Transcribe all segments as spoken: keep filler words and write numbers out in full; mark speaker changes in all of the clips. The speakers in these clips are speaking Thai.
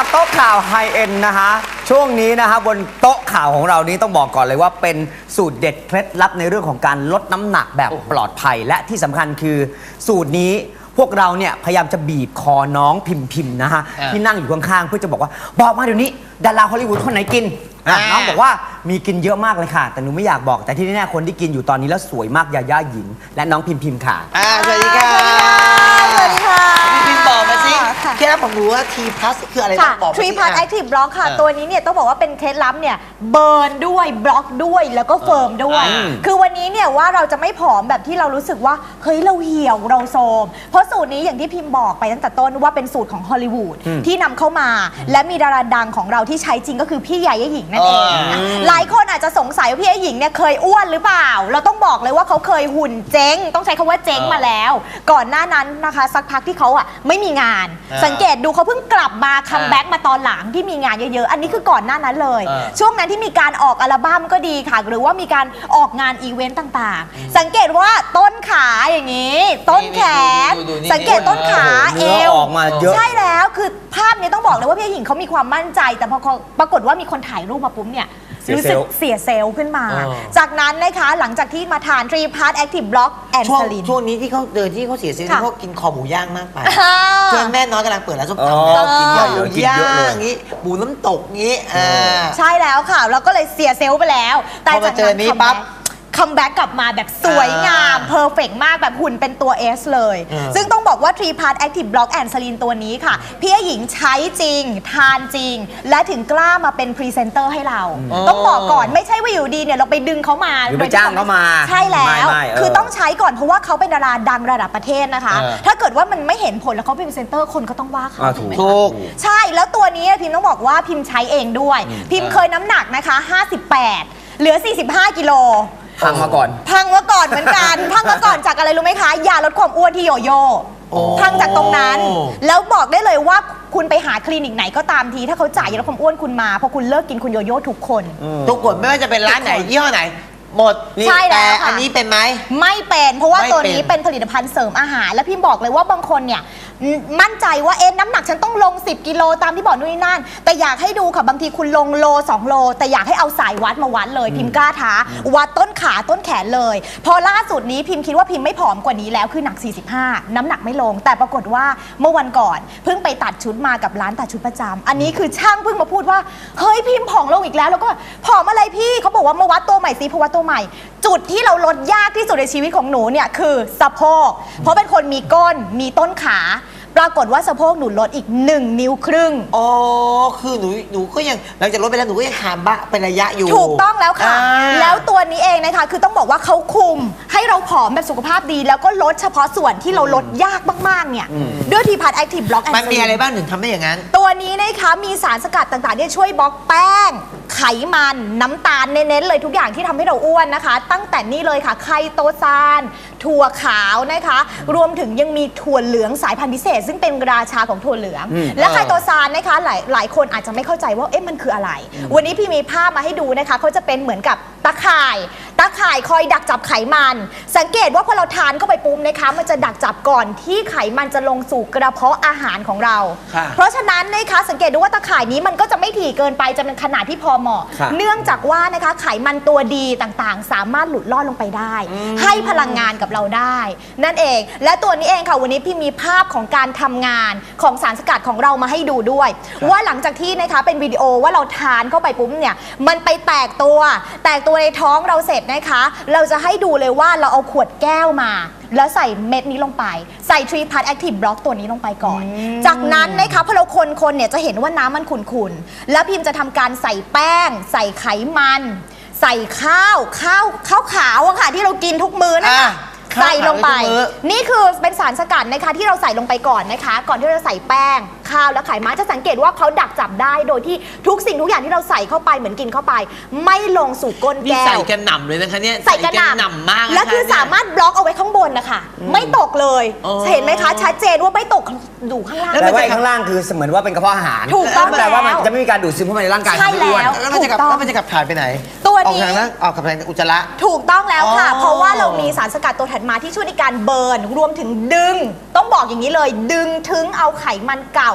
Speaker 1: กับโต๊ะข่าวไฮเอ็นนะฮะช่วงนี้นะฮะบนโต๊ะข่าวของเรานี้ต้องบอกก่อนเลยว่าเป็นสูตรเด็ดเคล็ดลับในเรื่องของการลดน้ำหนักแบบปลอดภัยและที่สำคัญคือสูตรนี้พวกเราเนี่ยพยายามจะบีบคอน้องพิมพิมนะฮะที่นั่งอยู่ข้างๆเพื่อจะบอกว่าบอกมาเดี๋ยวนี้ดาราฮอลลีวูดคนไหนกินน้องบอกว่ามีกินเยอะมากเลยค่ะแต่หนูไม่อยากบอกแต่ที่แน่ๆคนที่กินอยู่ตอนนี้แล้วสวยมากยาย่าหญิงและน้องพิมพิมค่ะ
Speaker 2: อ่าสวัสดีค่ะ
Speaker 3: สวัสดีค่ะ
Speaker 2: พี่พิมบอกมาสิเคล็ดลับของหนูว่า T plus คืออะไรต้องบอกมาสิ
Speaker 3: T plus Active Block ค่ะตัวนี้เนี่ยต้องบอกว่าเป็นเคล็ดลับเนี่ยเบิร์นด้วยบล็อกด้วยแล้วก็เฟิร์มด้วยคือวันนี้เนี่ยว่าเราจะไม่ผอมแบบที่เรารู้สึกว่าเฮ้ยเราเหี่ยวเราโทรมเพราะสูตรนี้อย่างที่พิมบอกไปตั้งแต่ต้นว่าเป็นสูตรของฮอลลีวูดที่นำเข้ามาและมีดาราดังของเราที่ใช้จริงก็คือพี่ยาย่าหญิงนั่นเองหลายคนอาจจะสงสัยว่าพี่ยาย่าหญิงเนี่ยเคยอ้วนหรือเปล่าเราต้องบอกเลยว่าเขาเคยหุ่นเจ๊งต้องใช้คำว่าเจ๊งมาแล้วก่อนหน้านั้นนะคะสักพักที่เขาอ่ะไม่มีงานสังเกตดูเขาเพิ่งกลับมาคัมแบ็กมาตอนหลังที่มีงานเยอะๆอันนี้คือก่อนหน้านั้นเลยช่วงนั้นที่มีการออกอัลบั้มก็ดีค่ะหรือว่ามีการออกงานอีเวนต์ต่างๆสังเกตว่าต้นขาอย่างนี้ต้นแขนสังเกตต้นขาเอว
Speaker 1: ออกมาเยอะ
Speaker 3: ใช่แล้วคือภาพนี้ต้องบอกเลยว่าพี่หญิงเขามีความมั่นใจแต่พอปรากฏว่ามีคนถ่ายรูปมาปุ๊บเนี่ยรู้สึกเสียเซลล์ขึ้นมาจากนั้นนะคะหลังจากที่มาทาน T plus Active Block and
Speaker 2: ช่วง
Speaker 3: Slim
Speaker 2: ช่วงนี้ที่เขาเดินที่เขาเสียเซลล์ที่เขากินคอหมูย่างมากไปเพื่อนแม่น้อยกำลังเปิดร้านส้มตำเรากินคอหมูย่างงี้หมูน้ำตกงี้
Speaker 3: ใช่แล้วค่ะแล้วก็เลยเสียเซลล์ไปแล้ว
Speaker 2: แต่จากนั้นปั๊บ
Speaker 3: คัมแบ็กกลับมาแบบสวยงามเพอร์เฟกต์มากแบบหุ่นเป็นตัว S เลยซึ่งต้องบอกว่า T plus Active Block and Slim ตัวนี้ค่ะพี่หญิงใช้จริงทานจริงและถึงกล้ามาเป็นพรีเซนเตอร์ให้เราต้องบอกก่อนไม่ใช่ว่าอยู่ดีเนี่ยเราไปดึงเขามา
Speaker 1: หรือไปจ้างเขามา
Speaker 3: ใช่แล้วคือต้องใช้ก่อนเพราะว่าเขาเป็นดาราดังระดับประเทศนะคะถ้าเกิดว่ามันไม่เห็นผลแล้วเขาเป็นพรีเซนเตอร์คนก็ต้องว่าเขา
Speaker 2: ถูก
Speaker 3: ใช่แล้วตัวนี้พิมต้องบอกว่าพิมใช้เองด้วยพิมเคยน้ำหนักนะคะห้าสิบแปดเหลือสี่สิบห้ากิโล
Speaker 1: พังมาก่อน
Speaker 3: พังมาก่อนเหมือนกันพังมาก่อนจากอะไรรู้ไหมคะยาลดความอ้วนที่โยโย่พังจากตรงนั้นแล้วบอกได้เลยว่าคุณไปหาคลินิกไหนก็ตามทีถ้าเขาจ่ายยาลดความอ้วนคุณมาพอคุณเลิกกินคุณโยโย่ทุกคน
Speaker 2: ทุกคนไม่ว่าจะเป็นร้านไหนยี่ห้อไหนหมด
Speaker 3: ใช่แล้ว
Speaker 2: แต่อันนี้เป็นไหม
Speaker 3: ไม่เป็นเพราะว่าตัวนี้เป็นผลิตภัณฑ์เสริมอาหารและพี่บอกเลยว่าบางคนเนี่ยมั่นใจว่าเอ๊ะน้ำหนักฉันต้องลงสิบกิโลตามที่บอกนู่นนี่นั่นแต่อยากให้ดูค่ะบางทีคุณลงโลสองโลแต่อยากให้เอาสายวัดมาวัดเลยพิมพ์กล้าท้าวัดต้นขาต้นแขนเลยพอล่าสุดนี้พิมพ์คิดว่าพิมพ์ไม่ผอมกว่านี้แล้วคือหนักสี่สิบห้าน้ำหนักไม่ลงแต่ปรากฏว่าเมื่อวันก่อนเพิ่งไปตัดชุดมากับร้านตัดชุดประจำอันนี้คือช่างเพิ่งมาพูดว่าเฮ้ยพิมพ์ผอมลงอีกแล้วแล้วก็ผอมอะไรพี่เขาบอกว่ามาวัดตัวใหม่ซิเพราะว่าตัวใหม่จุดที่เราลดยากที่สุดในชีวิตของหนูเนี่ยคือสะโพกเพราะเป็นคนมีก้นมีต้นขาปรากฏว่าสะโพกหนูลดอีกหนึ่งนิ้วครึ่ง
Speaker 2: อ๋อคือหนูหนูก็ยังหลังจากลดไปแล้วหนูก็ยังขาบะเป็นระยะอยู่
Speaker 3: ถูกต้องแล้วค่ะแล้วตัวนี้เองนะคะคือต้องบอกว่าเขาคุมให้เราผอมแบบสุขภาพดีแล้วก็ลดเฉพาะส่วนที่เราลดยากมากๆเนี่ยด้วย T plus Active Block and Slim
Speaker 2: มันมีอะไรบ้างถึงทำได้อย่างนั้น
Speaker 3: ตัวนี้นะคะมีสารสกัดต่างๆที่ช่วยบล็อกแป้งไขมันน้ำตาลเน้นๆเลยทุกอย่างที่ทำให้เราอ้วนนะคะตั้งแต่นี่เลยค่ะไคโตซานถั่วขาวนะคะรวมถึงยังมีถั่วเหลืองสายพันธุ์พิเศษซึ่งเป็นราชาของถั่วเหลืองและไคโตซานนะคะหลายหลายคนอาจจะไม่เข้าใจว่าเอ๊ะมันคืออะไรวันนี้พี่มีภาพมาให้ดูนะคะเขาจะเป็นเหมือนกับตะข่ายตะข่ายคอยดักจับไขมันสังเกตว่าพอเราทานเข้าไปปุ๊บนะคะมันจะดักจับก่อนที่ไขมันจะลงสู่กระเพาะอาหารของเราเพราะฉะนั้นนะคะสังเกตดูว่าตะข่ายนี้มันก็จะไม่ถี่เกินไปจะเป็นขนาดที่พอเหมาะเนื่องจากว่านะคะไขมันตัวดีต่างๆสามารถหลุดลอดลงไปได้ให้พลังงานกับเราได้นั่นเองและตัวนี้เองค่ะวันนี้พี่มีภาพของการทำงานของสารสกัดของเรามาให้ดูด้วยว่าหลังจากที่นะคะเป็นวิดีโอว่าเราทานเข้าไปปุ๊บเนี่ยมันไปแตกตัวแตกตัวในท้องเราเสร็จนะคะเราจะให้ดูเลยว่าเราเอาขวดแก้วมาแล้วใส่เม็ดนี้ลงไปใส่ T plus Active Block ตัวนี้ลงไปก่อนจากนั้นนะคะพอเราคนๆเนี่ยจะเห็นว่าน้ำมันขุ่นๆแล้วพิมจะทำการใส่แป้งใส่ไขมันใส่ข้าวข้าวข้าวขาวอะค่ะที่เรากินทุกมื้อนะคะใส่ลงไปนี่คือเป็นสารสกัดนะคะที่เราใส่ลงไปก่อนนะคะก่อนที่เราจะใส่แป้งข้าวและไขมันจะสังเกตว่าเขาดักจับได้โดยที่ทุกสิ่งทุกอย่างที่เราใส่เข้าไปเหมือนกินเข้าไปไม่ลงสู่ก้นแก้ว
Speaker 2: ใส่กระหน่ำเลยนะคะเนี่ย
Speaker 3: ใส่กระหน่ำ
Speaker 2: มาก
Speaker 3: และคือสามารถบล็อกเอาไว้ข้างบนนะคะไม่ตกเลยเห็นไหมคะชัดเจนว่าไม่ตกดูข้างล่าง
Speaker 1: แล้วไว้ข้างล่างคือเหมือนว่าเป็นกระเพาะอาหาร
Speaker 3: ถูกต้อง
Speaker 1: แต่ว่ามันจะไม่มีการดูดซึมเข้ามาในร่างกาย
Speaker 3: ใช่แล้ว
Speaker 2: แล้วมันจะกลับแล้วมันจะกลับถ่ายไปไหน
Speaker 3: ตัว
Speaker 2: นี้ออกทางนั้นออกกับทางอุจจาระ
Speaker 3: ถูกต้องแล้วค่ะเพราะว่าเรามีสารสกัดตัวถัดมาที่ช่วยในการเบิร์นรวมถึงดึงต้องบอกอย่างนี้เลยดึงถึงเอาไขมันเก่า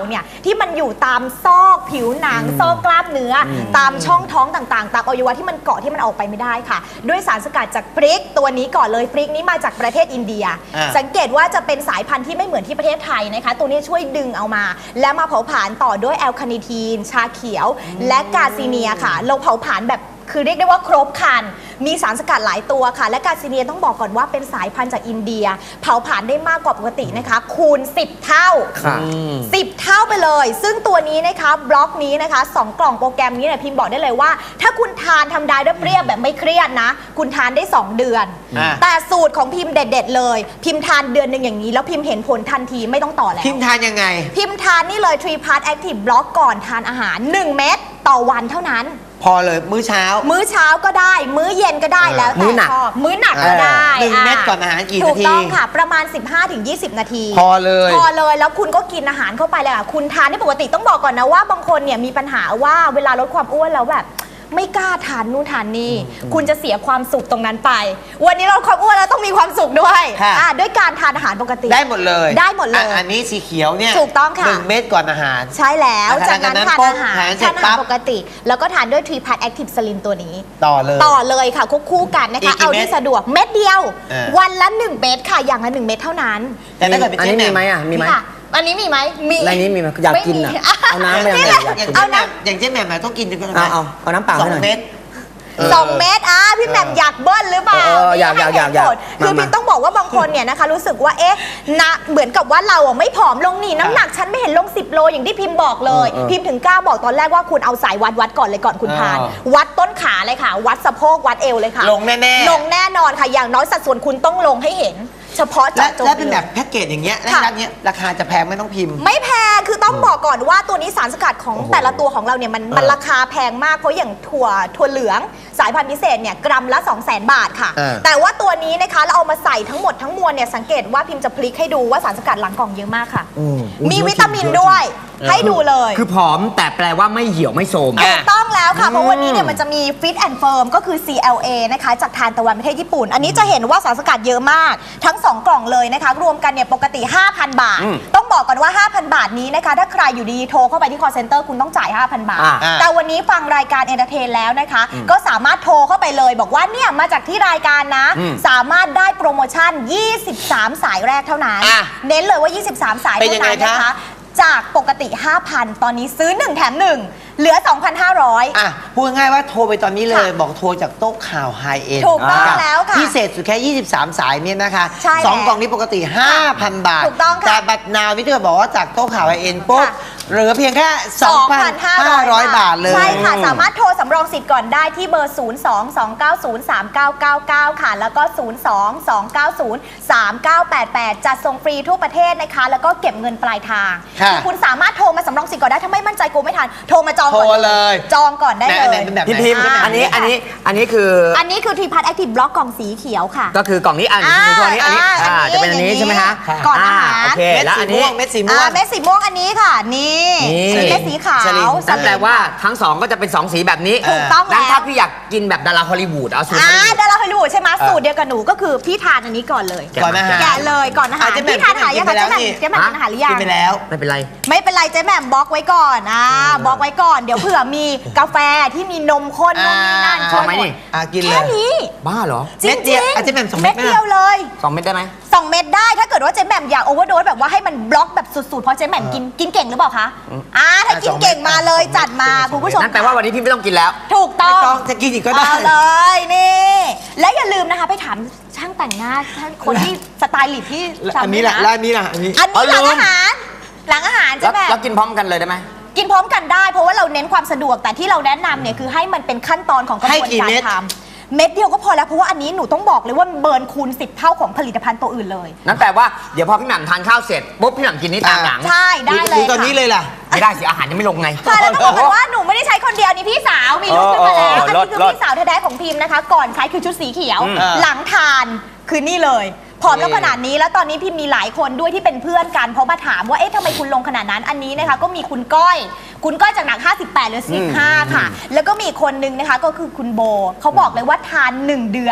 Speaker 3: เนี่ยที่มันอยู่ตามซอกผิวหนังซอกกล้ามเนื้ออตามช่องท้องต่างๆ ตามอวัยวะที่มันเกาะที่มันออกไปไม่ได้ค่ะ ด้วยสารสกัดจากพริกตัวนี้ก่อนเลยพริกนี้มาจากประเทศอินเดีย
Speaker 2: อ่า
Speaker 3: สังเกตว่าจะเป็นสายพันธุ์ที่ไม่เหมือนที่ประเทศไทยนะคะ ตัวนี้ช่วยดึงเอามา และมาเผาผลาญต่อด้วยแอลคาเนทีน ชาเขียว และกาซีเนียค่ะ เราเผาผลาญแบบคือเรียกได้ว่าครบครัน มีสารสกัดหลายตัวค่ะ และกาซีเนียต้องบอกก่อนว่าเป็นสายพันธุ์จากอินเดีย เผาผลาญได้มากกว่าปกตินะคะ คูณ สิบ เท่า
Speaker 1: ค่ะ
Speaker 3: สิบ เท่าไปเลย ซึ่งตัวนี้นะคะบล็อกนี้นะคะสองกล่องโปรแกรมนี้เนี่ยพิมพ์บอกได้เลยว่า ถ้าคุณทานทำได้ด้วยเปรี้ยวแบบไม่เครียดนะ คุณทานได้ สอง เดือน
Speaker 2: อ่า
Speaker 3: แต่สูตรของพิมพ์เด็ด ๆ เลย พิมพ์ทานเดือนหนึ่งอย่างนี้ แล้วพิมพ์เห็นผลทันทีไม่ต้องต่อแล้ว
Speaker 2: พิมพ์ทานยังไง
Speaker 3: พิมพ์ทานนี่เลย ทรี พาร์ต Active Block ก่อนทานอาหาร หนึ่ง เม็ดต่อวันเท่านั้น
Speaker 2: พอเลยมื้อเช้า
Speaker 3: มื้อเช้าก็ได้ มื้อเย็นก็ได้แล้ว
Speaker 1: มื้
Speaker 3: แต่
Speaker 1: อหนัก
Speaker 3: ชอบมื้อหนักก็ได้
Speaker 2: หนึ่ง
Speaker 3: อ่ะ
Speaker 2: เม็ดก่อนอาหารกี่
Speaker 3: ถู
Speaker 2: นาก ที
Speaker 3: ต้องค่ะ ประมาณ สิบห้าถึงยี่สิบ นาที
Speaker 2: พอเลย
Speaker 3: พอเลยแล้วคุณก็กินอาหารเข้าไปเลยค่ะคุณทานที่ปกติต้องบอกก่อนนะว่าบางคนเนี่ยมีปัญหาว่าเวลาลดความอ้วนแล้วแบบไม่กล้าทานนู่นทานนี่คุณจะเสียความสุขตรงนั้นไป วันนี้เราความอ้วนแล้วต้องมีความสุขด้วย
Speaker 2: ค่ะ
Speaker 3: อ่ะด้วยการทานอาหารปกติ
Speaker 2: ได้หมดเลย
Speaker 3: ได้หมดเลย
Speaker 2: อ่ะอันนี้สีเขียวเนี่ย
Speaker 3: ถูกต้องค่ะ
Speaker 2: หนึ่งเม็ดก่อนอาหาร
Speaker 3: ใช่แล้ว
Speaker 2: อ่ะ
Speaker 3: จากนั้น
Speaker 2: จากนั้น
Speaker 3: ทาน
Speaker 2: ปุ๊บ
Speaker 3: อาหาร
Speaker 2: ทานเสร็
Speaker 3: ทา
Speaker 2: จ
Speaker 3: นอา
Speaker 2: ปั๊
Speaker 3: หาร
Speaker 2: บ
Speaker 3: ปกติ แล้วก็ทานด้วย ทรี พาร์ต Active Slim ตัวนี้
Speaker 2: ต่อเลย
Speaker 3: ต่อเลยค่ะควบคู่กันนะ
Speaker 2: อี
Speaker 3: คะ
Speaker 2: กกี่
Speaker 3: เอา
Speaker 2: เม็ด
Speaker 3: ที่สะดวกเม็ดเดียว
Speaker 2: เออ
Speaker 3: วันละหนึ่งเม็ดค่ะอย่างละหนึ่งเม็ดเท่านั้น
Speaker 2: แต่ถ้าเกิดเป็น
Speaker 1: อัน
Speaker 2: เจ๊
Speaker 1: นี้
Speaker 2: แหม่
Speaker 1: มีไหมอ่ะ มีไหม
Speaker 3: ค่ะอันนี้มีไหมมี
Speaker 1: ในนี้มีไหมอยากกินอ่ะ
Speaker 3: ไม่มี
Speaker 1: เอาน้ำไป
Speaker 3: นี่
Speaker 1: เอา
Speaker 3: แหละ
Speaker 1: อยากกิน
Speaker 2: อย่าง
Speaker 3: เอา
Speaker 2: เจ๊แห
Speaker 3: นะ
Speaker 2: ม่มอย่างเจ๊แหม่มอะต้องกินกัน
Speaker 1: เอาเอาเอาน้ำเปล่า
Speaker 2: สอ
Speaker 1: ให้
Speaker 2: ง
Speaker 1: หน่อย
Speaker 2: เม็ด
Speaker 3: สองเม็ดอ่ะพี่แหม่มอยากเบิ้ลหรือเปล่า
Speaker 1: เอออยากอยากอยากอยาก
Speaker 3: คือ
Speaker 1: มา
Speaker 3: พี่ต้องบอกว่าบางคนเนี่ยนะคะ รู้สึกว่าเอ๊ะนะเหมือนกับว่าเราอ่ะไม่ผอมลงนี่น้ำหนักฉันไม่เห็นลงสิบโลอย่างที่พิมพ์บอกเลย
Speaker 1: เออเออ
Speaker 3: พิมพ์ถึงกล้าบอกตอนแรกว่าคุณเอาสายวัดวัดก่อนเลยก่อนคุณทาน วัดต้นขาเลยค่ะ วัดสะโพกวัดเอวเลยค่ะ
Speaker 2: ลงแน่ๆ
Speaker 3: ลงแน่นอนค่ะอย่างน้อยสัดส่วนคุณต้องลงให้เห็น เฉพาะ
Speaker 2: และ
Speaker 3: เจาะจง
Speaker 2: และเป็นแบบ
Speaker 3: ลย
Speaker 2: แพ็กเกจอย่างเงี้ยและ
Speaker 3: ค่ะ
Speaker 2: ร้านเนี้ยราคาจะแพงไม่ต้องพิมพ์
Speaker 3: ไม่แพง คือต้องบอกก่อนว่าตัวนี้สารสกัดของแต่ละตัวของเราเนี่ยมันมันราคาแพงมาก เพราะอย่างถั่วถั่วเหลืองสายพันธุ์พิเศษเนี่ยกรัมละ สองแสน บาทค่ะ
Speaker 2: เออ
Speaker 3: แต่ว่าตัวนี้นะคะเราเอามาใส่ทั้งหมดทั้งมวลเนี่ยสังเกตว่าพิมพ์จะพลิกให้ดูว่าสารสกัดหลังกล่องเยอะมากค่ะ
Speaker 1: อืม
Speaker 3: มีวิตามินด้วย ให้ดูเลย
Speaker 1: คือผอมแต่แปลว่าไม่เหี่ยวไม่โทรม
Speaker 3: ถูกต้องแล้วค่ะ เพราะวันนี้เนี่ยมันจะมี Fit and Firm ก็คือ ซี แอล เอ นะคะจากทานตะวันประเทศญี่ปุ่น อันนี้จะเห็นว่าสารสกัดเยอะมาก ทั้ง สอง กล่องเลยนะคะ รวมกันเนี่ยปกติ ห้าพัน บาท
Speaker 1: อืม
Speaker 3: ต้องบอกก่อนว่า ห้าพัน บาทนี้นะคะ ถ้าใครอยู่ดีโทรเข้าไปที่ call center คุณต้องจ่าย ห้าพัน บาท
Speaker 1: อ่า
Speaker 3: แต่วันนี้ฟังรายการ Entertain แล้วนะคะ ก็สามารถโทรเข้าไปเลย บอกว่าเนี่ยมาจากที่รายการนะ
Speaker 1: อืม
Speaker 3: สามารถได้โปรโมชั่น ยี่สิบสาม สายแรกเท่านั้น
Speaker 2: อ่ะ
Speaker 3: เน้นเลยว่า ยี่สิบสาม สาย
Speaker 2: เป็น
Speaker 3: เท่า
Speaker 2: ยังไง
Speaker 3: นั้นนะคะ
Speaker 2: คะ
Speaker 3: จากปกติ ห้าพัน ตอนนี้ซื้อหนึ่งแถมหนึ่งเหลือ สองพันห้าร้อย
Speaker 2: อ่ะพูดง่ายๆว่าโทรไปตอนนี้เลย
Speaker 3: ค่ะ
Speaker 2: บอกโทรจากโต๊ะข่าวไฮเอ็น
Speaker 3: ถูกต้องแล้วค่ะ
Speaker 2: พิเศษสุดแค่ ยี่สิบสาม สายเนี่ยนะคะ
Speaker 3: ใช่
Speaker 2: สอง
Speaker 3: แล้ว
Speaker 2: กล่องนี้ปกติ ห้าพัน บาท
Speaker 3: ถูกต้องค่ะ
Speaker 2: แต่บัตรนาวนี่ถ้าเกิดบอกว่าจากโต๊ะข่าวไฮเอ็นปุ๊บ
Speaker 3: ค่ะ
Speaker 2: เหลือเพียงแค่ สองพันห้าร้อย บาทเลย
Speaker 3: ใช่ค่ะ สามารถโทรสำรองสิทธิ์ก่อนได้ที่เบอร์ ศูนย์ สอง สอง เก้า ศูนย์ สาม เก้า เก้า เก้า ค่ะ แล้วก็ ศูนย์ สอง สอง เก้า ศูนย์ สาม เก้า แปด แปด จัดส่งฟรีทั่วประเทศนะคะ แล้วก็เก็บเงินปลายทาง
Speaker 2: ค่ะ
Speaker 3: อคุณสามารถโทรมาสำรองสิทธิ์ก่อนได้ถ้าไม่มั่นใจกูไม่ทันโทรมาจองก่อน
Speaker 2: โทรเลย
Speaker 3: จองก่อนได้
Speaker 2: ไหน
Speaker 3: เล
Speaker 2: ไหน
Speaker 3: ย
Speaker 2: เป็นแบบ
Speaker 1: พี่
Speaker 2: ไหน
Speaker 1: พิมพ์
Speaker 3: อ่า
Speaker 1: อันนี้อันนี้อันนี้คือ
Speaker 3: อันนี้คือทีพัทแอคทีฟบล็อกกล่องสีเขียวค่ะ
Speaker 1: ก็คือกล่องนี้อัน
Speaker 3: อ่า
Speaker 1: นี้ตัวนี้อันนี้
Speaker 3: อ่า
Speaker 1: อ่า
Speaker 3: อันนี้
Speaker 1: จะเป็นอันนี้
Speaker 3: อย่างนี้
Speaker 1: ใช่ไหมฮะ
Speaker 3: ก่อนอาหาร
Speaker 1: โอเค
Speaker 2: เม็ด
Speaker 1: แล้ว
Speaker 2: สี
Speaker 1: อันนี้
Speaker 2: ม่วงเม็ดสีม่ว
Speaker 3: อ่าง เม็ดสีม่วงอันนี้ค่ะ นี่
Speaker 1: นี่
Speaker 3: เม็ดสีขาว
Speaker 2: สลิม
Speaker 1: นั่นแปลว่าทั้งสองก็จะเป็นสองสีแบบนี้
Speaker 3: ถูกต้อง
Speaker 1: งั้น
Speaker 3: แล้ว
Speaker 1: ถ้าพี่อยากกินแบบดาราฮอลลีวูดเอาสูตรฮอ
Speaker 3: อ่า
Speaker 1: ลลีวูด
Speaker 3: ดาราฮอลลีวูดใช่ไหมสูตรเดียวกับหนูก็คือพี่ทานอันนี้ก่อนเลย
Speaker 2: ก่อนอาหาร
Speaker 3: แกะเลยก่อนอาหาร
Speaker 2: อ่ะเจ๊แหม่ม
Speaker 3: พี่ทานอาหารยังคะ
Speaker 2: กินไป
Speaker 3: เจ๊แหม่ม
Speaker 2: แล้วนี่
Speaker 3: เจ๊แหม่มกินอาหารหรือยัง
Speaker 2: กินไปแล้ว
Speaker 1: ไม่เป็นไร
Speaker 3: ไม่เป็นไรเจ๊แหม่มบล็อกไว้ก่อนอ่าบล็อกไว้ก่อนเดี๋ยวเผื่อมีกาแฟที่มีนมข้นนู่นนี่นั่น
Speaker 2: อ่า
Speaker 3: ช่วย
Speaker 1: เอาไหม
Speaker 3: หม
Speaker 1: นี่
Speaker 3: ด
Speaker 2: อ่ะกินเล
Speaker 3: แค่
Speaker 2: ย
Speaker 3: นี้
Speaker 1: บ้าเหรอ
Speaker 3: จริ
Speaker 2: เม็
Speaker 3: ง
Speaker 2: ด
Speaker 3: ๆ
Speaker 2: เดียวอ่ะเจ๊แหม่มส่งเม็
Speaker 3: เม็
Speaker 2: ด
Speaker 3: ด
Speaker 2: ไหม
Speaker 3: เดียวเลย
Speaker 1: สองเม็ดได้ไหม
Speaker 3: สองเม็ดได้ถ้าเกิดว่าเจ๊แหม่มอยากโอเวอร์โดสแบบว่าให้มันบล็อกแบบสุดๆเพราะเจ๊แหม่มกินกินเก่งหรือเปล่าคะอ่าถ้ากินเก่งมาเลยจัดมาคุณผู้ชม
Speaker 1: นั่นแปลว่าวันนี้พี่ไม่ต้องกินแล้ว
Speaker 3: ถูกต้
Speaker 2: ไม่
Speaker 3: อง
Speaker 2: ต้องจะกินอีกก็ได้
Speaker 3: เอาเลยนี่และอย่าลืมนะคะไปถามช่างแต่งหน้าท่านคนที่สไตลิสต์ที่
Speaker 2: แล้วอันนี้ล่ะ
Speaker 3: ทำ
Speaker 2: แล้วอันนี้ล่ะอันนี้
Speaker 3: อันนี้หลัง
Speaker 1: เอาลืม
Speaker 3: อาหารหลังอาหาร
Speaker 1: แล้
Speaker 3: ใช่
Speaker 1: ว
Speaker 3: ไหม
Speaker 1: แล้วกินพร้อมกันเลยได้ไหม
Speaker 3: กินพร้อมกันได้เพราะว่าเราเน้นความสะดวกแต่ที่เราแนะนำเนี่ยคือให้มันเป็นขั้นตอนของกระบวน
Speaker 2: ให้กี่
Speaker 3: การ
Speaker 2: เม็ด
Speaker 3: ทำเม็ดเดียวก็พอแล้วเพราะว่าอันนี้หนูต้องบอกเลยว่าเบิร์นคูณสิบเท่าของผลิตภัณฑ์ตัวอื่นเลย
Speaker 1: นั่นแปลว่าเดี๋ยวพอพี่แหม่มทานข้าวเสร็จปุ๊บพี่แหม่มกินนี่ตามหลัง
Speaker 3: ใช่ได้เลย
Speaker 2: ดูตอนนี้เลยล่ะ
Speaker 1: ไม่ได้สิอาหารยังไม่ลงไง
Speaker 3: ค่ะแล้วต้องบอกกันว่าหนูไม่ได้ใช้คนเดียวนี่พี่สาวมีลูกขึ้นมาแล้ว
Speaker 1: เออ
Speaker 3: อัน
Speaker 1: เออ
Speaker 3: นี้คือ
Speaker 1: เลิศ
Speaker 3: พี่สาวแท้ๆของพิมพ์นะคะ ก่อนใช้คือชุดสีเขียว
Speaker 1: อืม
Speaker 3: หลังทานคือนี่เลยผอมแล้วขนาดนี้แล้วตอนนี้พิมพ์มีหลายคนด้วยที่เป็นเพื่อนกันเพราะมาถามว่าเอ๊ะทำไมคุณลงขนาดนั้นอันนี้นะคะก็มีคุณก้อย คุณก้อยจากหนักห้าสิบแปดเหลือสิบห้าค่ะ แล้วก็มีอีกคนนึงนะคะก็คือคุณโบเขาบอกเลยว่าทานหนึ่งเดือน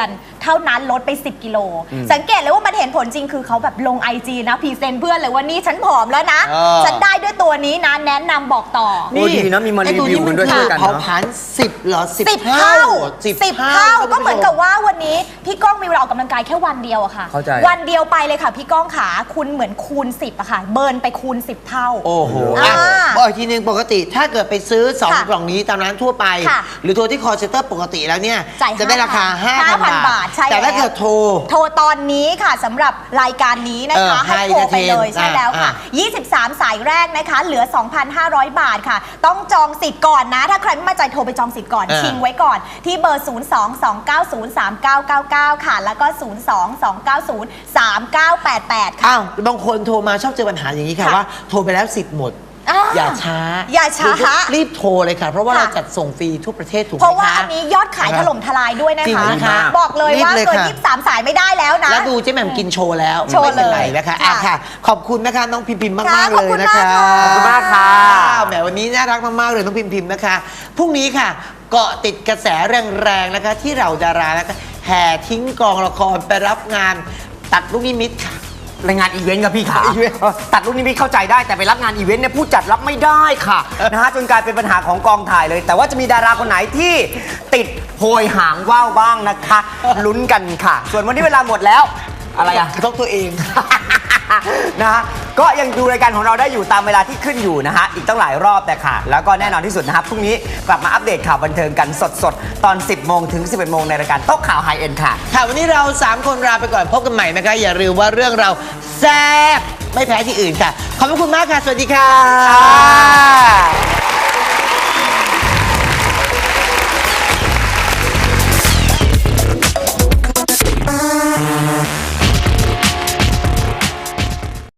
Speaker 3: เท่านั้นลดไปสิบกิโลสังเกตเลยว่ามันเห็นผลจริงคือเขาแบบลง ไอ จี นะพรีเซนต์เพื่อนเลยว่านี่ฉันผอมแล้วนะ
Speaker 2: เออ
Speaker 3: ฉันได้ด้วยตัวนี้นะแนะนำบอกต่อ
Speaker 1: โอ้ดีนะมีมารีวิวกันด้วย
Speaker 2: ไอ้
Speaker 1: ช่
Speaker 2: ตัว
Speaker 1: วยกัน
Speaker 2: เผา
Speaker 1: เนาะ
Speaker 2: ผลาญสิบเหรอสิบ
Speaker 3: สิบ
Speaker 2: เท่า
Speaker 3: เท่า
Speaker 2: สิบ
Speaker 3: สิบเท่าก็เหมือนกับว่าวันนี้พี่ก้องมีเวลาออกกำลังกายแค่วันเดียวอะค่ะ
Speaker 1: เข้าใจ
Speaker 3: วันเดียวไปเลยค่ะพี่ก้องขาคุณเหมือนคูณสิบอะค่ะเบิร์นไปคูณสิบเท่า
Speaker 2: โอ้โห
Speaker 3: อ่า
Speaker 2: อ่ะบอกอีกทีนึงปกติถ้าเกิดไปซื้อสอง
Speaker 3: ค่ะ
Speaker 2: กล่องนี้ตามร้านทั่วไป
Speaker 3: ค่ะ
Speaker 2: หรือโทรที่คอเซ็นเตอร์ปกติแล้วเนี่ย
Speaker 3: จ่าย
Speaker 2: จะได้ราคา
Speaker 3: ห้า
Speaker 2: ห้า
Speaker 3: พั
Speaker 2: พั
Speaker 3: น
Speaker 2: น
Speaker 3: บา
Speaker 2: บา
Speaker 3: ท
Speaker 2: ท
Speaker 3: ใช่
Speaker 2: แต่ถ้า
Speaker 3: แล้ว
Speaker 2: เกิดโทร
Speaker 3: โทรตอนนี้ค่ะสำหรับรายการนี้นะคะ
Speaker 2: เออ
Speaker 3: ให้โทรไปเลย
Speaker 2: High
Speaker 3: ใช่แล้วค่ะ
Speaker 2: อ่า
Speaker 3: ยี่สิบสาม สายแรกนะคะ เหลือ สองพันห้าร้อย บาทค่ะ ต้องจองสิทธิ์ก่อนนะ ถ้าใครไม่มั่นใจโทรไปจองสิทธิ์ก่อน
Speaker 2: เออ
Speaker 3: ชิงไว้ก่อน ที่เบอร์ ศูนย์ สอง สอง เก้า ศูนย์ สาม เก้า เก้า เก้า ค่ะ แล้วก็ ศูนย์ สอง สอง เก้า ศูนย์ สาม เก้า แปด แปด ค่ะ
Speaker 2: อ้าวบางคนโทรมาชอบเจอปัญหาอย่างนี้ค่ะ
Speaker 3: ค่ะ
Speaker 2: ว่าโทรไปแล้วสิทธิ์หมด
Speaker 3: อ่า
Speaker 2: อย่าช้า
Speaker 3: อย่าช้า
Speaker 2: รีบโทรเลยค่ะ เพราะว่า
Speaker 3: ค่ะ
Speaker 2: เราจัดส่งฟรีทั่วประเทศถูกไหม
Speaker 3: เพราะว่า
Speaker 2: คะ
Speaker 3: อันนี้ยอดขายถล่มทลายด้วยนะ
Speaker 2: จริง
Speaker 3: คะ
Speaker 2: นะคะ
Speaker 3: บอกเลยว่า
Speaker 2: รีบเลย
Speaker 3: เกิน
Speaker 2: ค่ะ
Speaker 3: ยี่สิบสาม สายไม่ได้แล้วนะ
Speaker 2: แล้วดูเจ๊แหม่มกินโชว์แล้ว
Speaker 3: โชว์
Speaker 2: ไม่เป็นไร
Speaker 3: เลย
Speaker 2: นะคะ
Speaker 3: ค่ะ
Speaker 2: อ่ะค่ะ ขอบคุณนะคะน้องพิมพิมมาก
Speaker 3: ค่ะ
Speaker 2: มาก
Speaker 3: ขอบ
Speaker 2: เลย
Speaker 3: คุณ
Speaker 2: นะคะ
Speaker 3: มากค่ะ
Speaker 1: ขอบคุณมากค่ะ
Speaker 2: แหมวันนี้น่ารักมากๆเลยน้องพิมพิมนะคะพรุ่งนี้ค่ะ เกาะติดกระแสแรงๆนะคะ ที่เราดารานะคะแห่ทิ้งกองละครไปรับงานตัดลูกนิมิตค่ะ
Speaker 1: รายงานอีเวนต์ครับพี่ขา
Speaker 2: อีเวนต์
Speaker 1: เออตัดรุ่นนี้พี่เข้าใจได้แต่ไปรับงานอีเวนต์เนี่ยผู้จัดรับไม่ได้ค่ะ นะฮะจนกลายเป็นปัญหาของกองถ่ายเลย แต่ว่าจะมีดาราคนไหนที่ติดโพยหางว่าวบ้างนะคะลุ้นกันค่ะ ส่วนวันนี้เวลาหมดแล้วอะไรอะ
Speaker 2: กระทบตัวเอง
Speaker 1: นะฮะก็ยังดูรายการของเราได้อยู่ตามเวลาที่ขึ้นอยู่นะฮะอีกตั้งหลายรอบแต่ค่ะ แล้วก็แน่นอนที่สุดนะครับพรุ่งนี้กลับมาอัปเดตข่าวบันเทิงกันสดๆตอน สิบโมงถึง สิบเอ็ดโมงในรายการโต๊ะข่าวไฮเอ็นค่ะ
Speaker 2: ค่ะวันนี้เราสามคนลาไปก่อนพบกันใหม่นะคะ อย่าลืมว่าเรื่องเราแซ่บไม่แพ้ที่อื่นค่ะ ขอบพระคุณมากค่ะ สวัสดีค่ะ